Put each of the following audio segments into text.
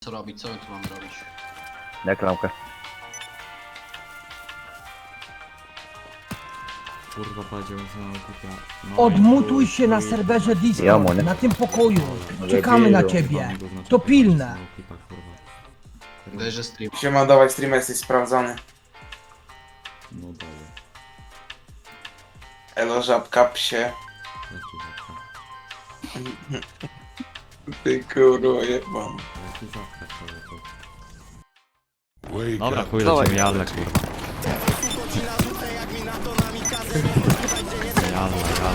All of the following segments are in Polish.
Co robić? Co my tu mamy robić? Jak lampkę. Kurwa, powiedział, że mam kupia. No Odmutuj się na serwerze Ja Discord, mu nie. na tym pokoju. Czekamy na ciebie. To pilne. Daj, że stream. Siema, dawaj stream, jesteś sprawdzony. No dobra, Elo, żabka, psie. jaki zawka. Ty kurwa jebam. Jaki zawka, człowieku. Dobra, chuj, lecimy jadle, kurwa. Jadla,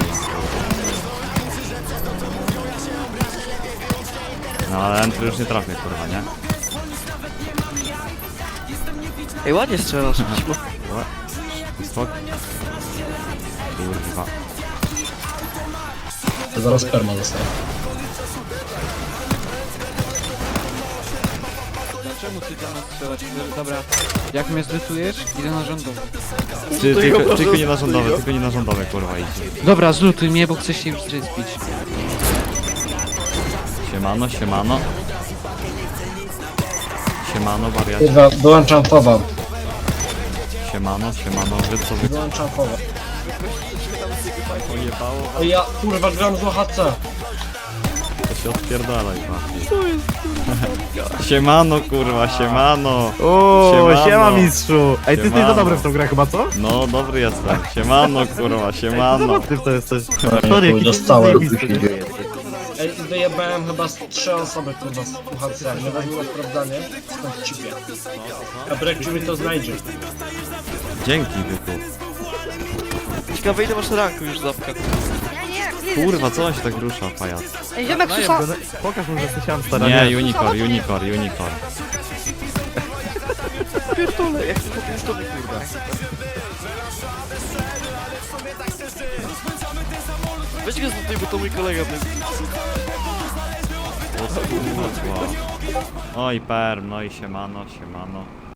no ale entry już nie trafię, kurwa, nie? Ej, ładnie strzelasz. Spok. Kurwa. Zaraz perma zostaje. Czemu ty tam strzelać? Dobra, jak mnie zlutujesz, idę na rządowy. Tylko nie na rządowe, tylko nie na rządowe, kurwa, idzie. Dobra, zlutuj mnie, bo chcę się już zbić. Siemano, siemano. Siemano, wariacie. Kurwa, dołączam fowa. Siemano, wy co wy... Dołączam fowa. Ojebało, O ja kurwa gram z OHC. to się odpierdalaj, Siemano, kurwa, siemano. Uuu, siema mistrzu. Ej, ty jesteś Siemano. za dobry w tą grę chyba, co? No, dobry jestem. Siemano, kurwa, siemano. Ty w to jesteś. Sorry, jakiś dostałem. zajebisty jesteś. Ej, wyjebałem chyba z 3 osoby kurwa z UHC. Nie wezmę na sprawdzanie, stąd cipię. A Brekciu mi to znajdzie. Dzięki, byku. Ciekawe ile masz ranku już zapka. Kurwa, co on się tak rusza, pajac? Ej, ziomek susza. Pokaż mu, że jesteś hamstera. Nie, unicorn. Pierdolę, jak to jest to kurwa. Weź go zlutuj, bo to mój kolega będzie. O kurwa. Oj, perm, no i siemano.